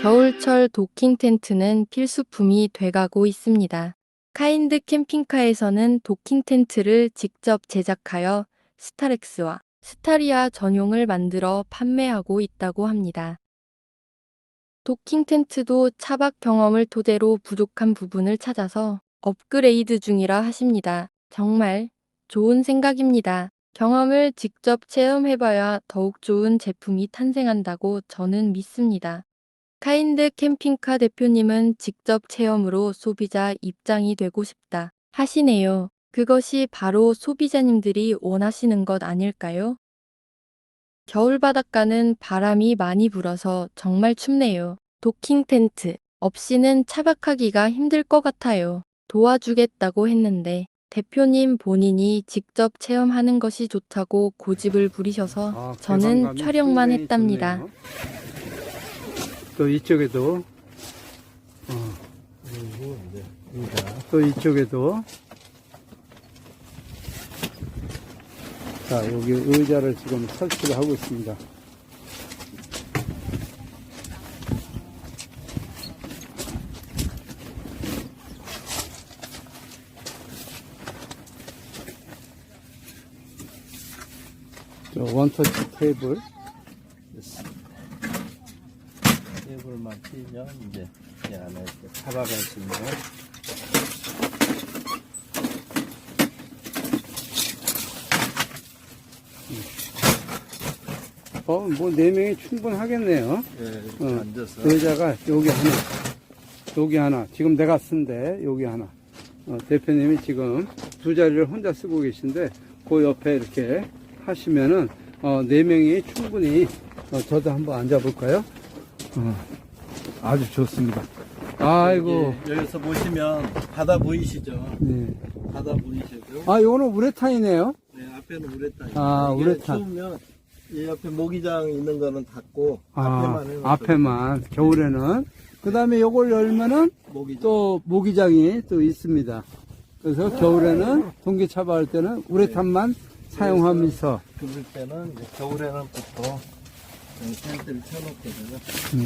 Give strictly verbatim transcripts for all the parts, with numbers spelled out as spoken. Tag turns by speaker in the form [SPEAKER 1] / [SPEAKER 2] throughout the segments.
[SPEAKER 1] 겨울철 도킹 텐트는 필수품이 돼가고 있습니다. 카인드 캠핑카에서는 도킹 텐트를 직접 제작하여 스타렉스와 스타리아 전용을 만들어 판매하고 있다고 합니다. 도킹 텐트도 차박 경험을 토대로 부족한 부분을 찾아서 업그레이드 중이라 하십니다. 정말 좋은 생각입니다. 경험을 직접 체험해봐야 더욱 좋은 제품이 탄생한다고 저는 믿습니다. 카인드 캠핑카 대표님은 직접 체험으로 소비자 입장이 되고 싶다 하시네요. 그것이 바로 소비자님들이 원하시는 것 아닐까요? 겨울 바닷가는 바람이 많이 불어서 정말 춥네요. 도킹 텐트 없이는 차박하기가 힘들 것 같아요. 도와주겠다고 했는데 대표님 본인이 직접 체험하는 것이 좋다고 고집을 부리셔서
[SPEAKER 2] 아,
[SPEAKER 1] 저는
[SPEAKER 2] 개방감이
[SPEAKER 1] 촬영만
[SPEAKER 2] 상당히
[SPEAKER 1] 했답니다.
[SPEAKER 2] 좋네요. 또 이쪽에도 어,
[SPEAKER 3] 그리고 이제 의자.
[SPEAKER 2] 또 이쪽에도 자 여기 의자를 지금 설치를 하고 있습니다. 저 원터치 테이블
[SPEAKER 3] 테이블만 띄면 이제 이 안에 이렇게 차박할 수 있는.
[SPEAKER 2] 어, 뭐, 네 명이 충분하겠네요.
[SPEAKER 3] 예, 이렇게
[SPEAKER 2] 어,
[SPEAKER 3] 앉아서.
[SPEAKER 2] 의자가 여기 하나, 여기 하나, 지금 내가 쓴데, 여기 하나. 어, 대표님이 지금 두 자리를 혼자 쓰고 계신데, 그 옆에 이렇게 하시면은, 어, 네 명이 충분히, 어, 저도 한번 앉아볼까요? 어, 아주 좋습니다. 아이고.
[SPEAKER 3] 여기, 여기서 보시면 바다 보이시죠?
[SPEAKER 2] 네.
[SPEAKER 3] 바다 보이시죠?
[SPEAKER 2] 아, 요거는 우레탄이네요?
[SPEAKER 3] 네, 앞에는 우레탄.
[SPEAKER 2] 아,
[SPEAKER 3] 이게
[SPEAKER 2] 우레탄.
[SPEAKER 3] 추우면 이 옆에 모기장 있는 거는 닫고
[SPEAKER 2] 아,
[SPEAKER 3] 앞에만 해놓고
[SPEAKER 2] 앞에만, 겨울에는. 그 다음에 요걸 열면은,
[SPEAKER 3] 모기장.
[SPEAKER 2] 또 모기장이 또 있습니다. 그래서 겨울에는 동계 차박할 때는 우레탄만 사용하면서
[SPEAKER 3] 그럴 때는 이제 겨울에는 보통 텐트를 쳐놓거든요.
[SPEAKER 2] 네.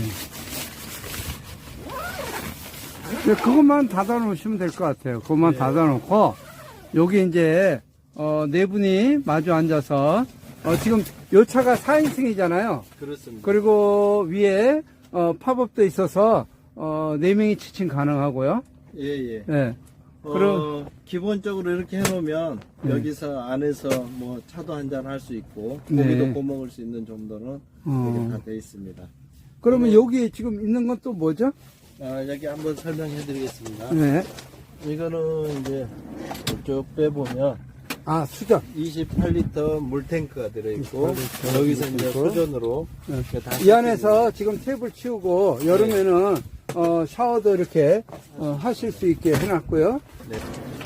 [SPEAKER 2] 네, 그것만 닫아 놓으시면 될 것 같아요. 그것만
[SPEAKER 3] 네.
[SPEAKER 2] 닫아 놓고 여기 이제 어, 네 분이 마주 앉아서 어, 지금 요 차가 사 인승이잖아요.
[SPEAKER 3] 그렇습니다.
[SPEAKER 2] 그리고 위에 어, 팝업도 있어서 어, 네 명이 취침 가능하고요.
[SPEAKER 3] 예, 예.
[SPEAKER 2] 네.
[SPEAKER 3] 어,
[SPEAKER 2] 그럼-
[SPEAKER 3] 기본적으로 이렇게 해놓으면
[SPEAKER 2] 네.
[SPEAKER 3] 여기서 안에서 뭐 차도 한잔 할 수 있고
[SPEAKER 2] 네.
[SPEAKER 3] 고기도 구워 먹을 수 있는 정도는
[SPEAKER 2] 어.
[SPEAKER 3] 이게 다 돼 있습니다.
[SPEAKER 2] 그러면
[SPEAKER 3] 네.
[SPEAKER 2] 여기 지금 있는 건 또 뭐죠?
[SPEAKER 3] 아, 여기 한번 설명해 드리겠습니다.
[SPEAKER 2] 네.
[SPEAKER 3] 이거는 이제 쭉 빼보면
[SPEAKER 2] 아, 수전.
[SPEAKER 3] 이십팔 리터 물탱크가 들어있고
[SPEAKER 2] 이십팔 리터
[SPEAKER 3] 여기서 이제
[SPEAKER 2] 물탱크.
[SPEAKER 3] 수전으로
[SPEAKER 2] 네.
[SPEAKER 3] 이렇게 다
[SPEAKER 2] 이 안에서 지금 테이블 치우고 여름에는 어, 샤워도 이렇게 어, 하실 수 있게 해놨고요.
[SPEAKER 3] 네.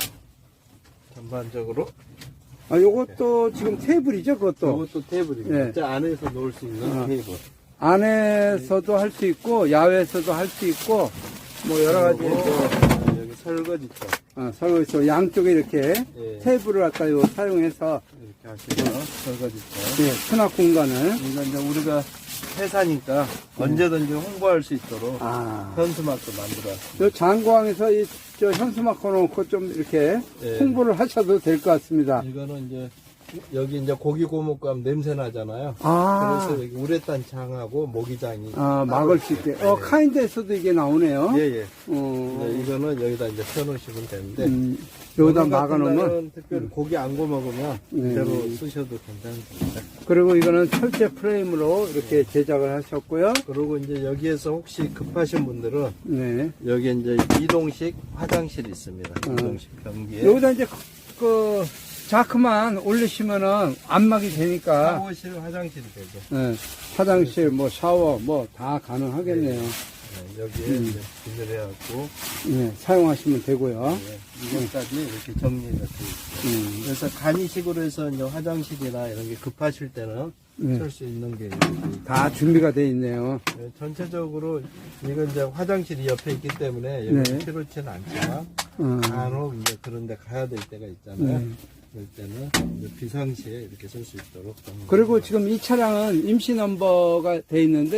[SPEAKER 3] 전반적으로
[SPEAKER 2] 아, 요것도 지금 테이블이죠, 그것도.
[SPEAKER 3] 이것도 테이블입니다.
[SPEAKER 2] 네.
[SPEAKER 3] 저 안에서 놓을 수 있는
[SPEAKER 2] 아.
[SPEAKER 3] 테이블.
[SPEAKER 2] 안에서도 할 수 있고 야외에서도 할 수 있고 뭐 여러 가지
[SPEAKER 3] 그리고
[SPEAKER 2] 또,
[SPEAKER 3] 여기 설거지터
[SPEAKER 2] 어, 설거지 양쪽에 이렇게
[SPEAKER 3] 예.
[SPEAKER 2] 테이블을 아까 요 사용해서
[SPEAKER 3] 이렇게 하시고 설거지터.
[SPEAKER 2] 예, 수납 공간을
[SPEAKER 3] 이건 이제 우리가 회사니까 언제든지 홍보할 수 있도록
[SPEAKER 2] 아,
[SPEAKER 3] 현수막도 만들어왔습니다.
[SPEAKER 2] 요 장고항에서 이 저 현수막 걸어놓고 좀 이렇게
[SPEAKER 3] 예.
[SPEAKER 2] 홍보를 하셔도 될 것 같습니다.
[SPEAKER 3] 이거는 이제 여기 이제 고기 구워 먹고 하면 냄새 나잖아요.
[SPEAKER 2] 아,
[SPEAKER 3] 그래서 여기 우레탄 창하고 모기장이
[SPEAKER 2] 아 막을 수 있게. 어,
[SPEAKER 3] 네.
[SPEAKER 2] 카인드에서도 이게 나오네요.
[SPEAKER 3] 예예.
[SPEAKER 2] 어,
[SPEAKER 3] 네, 이거는 여기다 이제 펴놓으시면 되는데
[SPEAKER 2] 음, 여기다
[SPEAKER 3] 오늘 같은
[SPEAKER 2] 막아놓으면.
[SPEAKER 3] 날은 특별히 고기 안 구워 먹으면
[SPEAKER 2] 네.
[SPEAKER 3] 그대로 쓰셔도 괜찮습니다.
[SPEAKER 2] 그리고 이거는 철제 프레임으로 이렇게 제작을 하셨고요.
[SPEAKER 3] 그리고 이제 여기에서 혹시 급하신 분들은
[SPEAKER 2] 네.
[SPEAKER 3] 여기 이제 이동식 화장실이 있습니다.
[SPEAKER 2] 어.
[SPEAKER 3] 이동식 변기에
[SPEAKER 2] 여기다 이제 그 자크만 올리시면은 안막이 되니까
[SPEAKER 3] 샤워실 화장실이 되죠.
[SPEAKER 2] 네, 화장실 뭐 샤워 뭐 다 가능하겠네요.
[SPEAKER 3] 네, 여기에
[SPEAKER 2] 음.
[SPEAKER 3] 이제 비늘해갖고
[SPEAKER 2] 네, 사용하시면 되고요.
[SPEAKER 3] 네, 이것까지 이렇게 정리가 돼 있어요.
[SPEAKER 2] 음,
[SPEAKER 3] 그래서 간이식으로 해서 이제 화장실이나 이런 게 급하실 때는
[SPEAKER 2] 네,
[SPEAKER 3] 쓸 수 있는 게
[SPEAKER 2] 다 준비가 돼 있네요.
[SPEAKER 3] 네, 전체적으로 이건 이제 화장실이 옆에 있기 때문에 여기
[SPEAKER 2] 네.
[SPEAKER 3] 필요치는 않지만
[SPEAKER 2] 어,
[SPEAKER 3] 간혹 이제 그런 데 가야 될 때가 있잖아요.
[SPEAKER 2] 네.
[SPEAKER 3] 그럴 때는 이제 비상시에 이렇게 쓸 수 있도록 좀
[SPEAKER 2] 그리고 지금 이 차량은 임시 넘버가 돼 있는데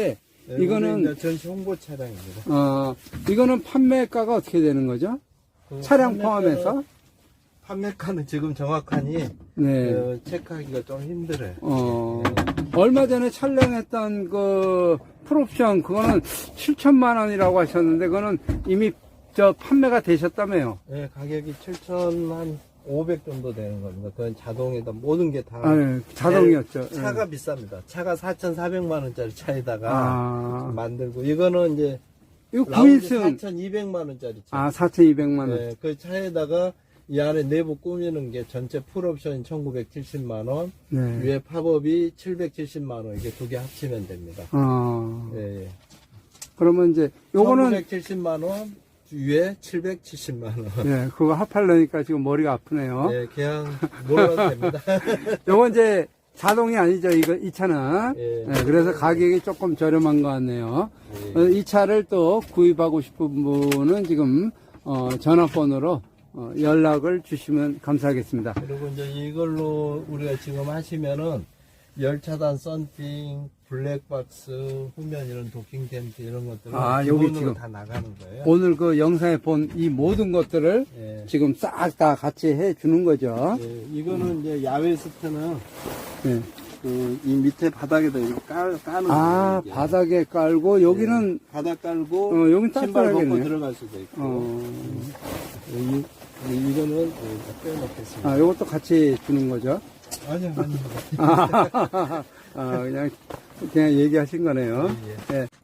[SPEAKER 2] 이거는-
[SPEAKER 3] 이제 전시 홍보 차량입니다.
[SPEAKER 2] 어, 이거는 판매가가 어떻게 되는 거죠?
[SPEAKER 3] 그
[SPEAKER 2] 차량
[SPEAKER 3] 판매가는-
[SPEAKER 2] 포함해서?
[SPEAKER 3] 판매가는 지금 정확하니
[SPEAKER 2] 네.
[SPEAKER 3] 어, 체크하기가 좀 힘들어요.
[SPEAKER 2] 어,
[SPEAKER 3] 네.
[SPEAKER 2] 얼마 전에 촬영했던 그 풀옵션, 그거는 칠천만 원이라고 하셨는데, 그거는 이미 저 판매가 되셨다며요.
[SPEAKER 3] 네, 가격이 칠천오백 정도 되는 겁니다. 그건 자동에다 모든 게 다.
[SPEAKER 2] 아, 예, 자동이었죠.
[SPEAKER 3] 차가
[SPEAKER 2] 예.
[SPEAKER 3] 비쌉니다. 차가 사천사백만 원짜리 차에다가
[SPEAKER 2] 아,
[SPEAKER 3] 만들고, 이거는 이제
[SPEAKER 2] 이거
[SPEAKER 3] 라운지
[SPEAKER 2] 구인승.
[SPEAKER 3] 사천이백만 원짜리 차.
[SPEAKER 2] 아, 사천이백만 원.
[SPEAKER 3] 네, 그 차에다가 이 안에 내부 꾸미는 게 전체 풀옵션이 천구백칠십만 원,
[SPEAKER 2] 네.
[SPEAKER 3] 위에 팝업이 칠백칠십만 원, 이게 두 개 합치면 됩니다.
[SPEAKER 2] 어,
[SPEAKER 3] 예, 예.
[SPEAKER 2] 그러면 이제 요거는,
[SPEAKER 3] 천구백칠십만 원, 위에 칠백칠십만 원.
[SPEAKER 2] 예, 그거 합하려니까 지금 머리가 아프네요.
[SPEAKER 3] 예, 그냥 몰라도 됩니다.
[SPEAKER 2] 요건 이제 자동이 아니죠, 이거, 이 차는.
[SPEAKER 3] 예.
[SPEAKER 2] 예, 그래서 가격이 조금 저렴한 것 같네요.
[SPEAKER 3] 예.
[SPEAKER 2] 어, 이 차를 또 구입하고 싶은 분은 지금, 어, 전화번호로 어, 연락을 주시면 감사하겠습니다.
[SPEAKER 3] 그리고 이제 이걸로 우리가 지금 하시면은 열차단 썬팅, 블랙박스, 후면 이런 도킹 텐트 이런 것들은
[SPEAKER 2] 아, 여기
[SPEAKER 3] 기본으로
[SPEAKER 2] 지금
[SPEAKER 3] 다 나가는 거예요.
[SPEAKER 2] 오늘 그 영상에 본 이 모든 것들을
[SPEAKER 3] 예.
[SPEAKER 2] 지금 싹 다 같이 해 주는 거죠.
[SPEAKER 3] 예, 이거는 이제 야외 스트는
[SPEAKER 2] 예.
[SPEAKER 3] 그 이 밑에 바닥에다 이렇게 깔, 까는
[SPEAKER 2] 아,
[SPEAKER 3] 거예요. 이게.
[SPEAKER 2] 바닥에 깔고 여기는
[SPEAKER 3] 예, 바닥 깔고
[SPEAKER 2] 어, 여긴
[SPEAKER 3] 신발 벗고
[SPEAKER 2] 따뜻하겠네.
[SPEAKER 3] 들어갈 수도 있고.
[SPEAKER 2] 어,
[SPEAKER 3] 이, 이거는 여기다 빼놓겠습니다.
[SPEAKER 2] 아, 요것도 같이 주는 거죠.
[SPEAKER 3] 아니요, 아니요.
[SPEAKER 2] 아, 아, 그냥 그냥 얘기하신 거네요.
[SPEAKER 3] 예, 예.
[SPEAKER 2] 예.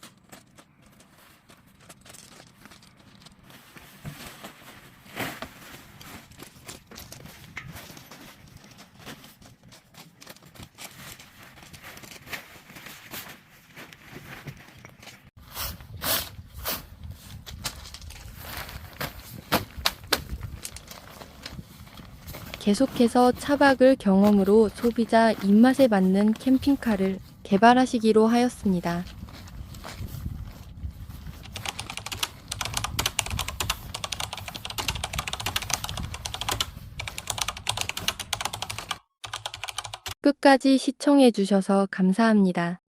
[SPEAKER 1] 계속해서 차박을 경험으로 소비자 입맛에 맞는 캠핑카를 개발하시기로 하였습니다. 끝까지 시청해 주셔서 감사합니다.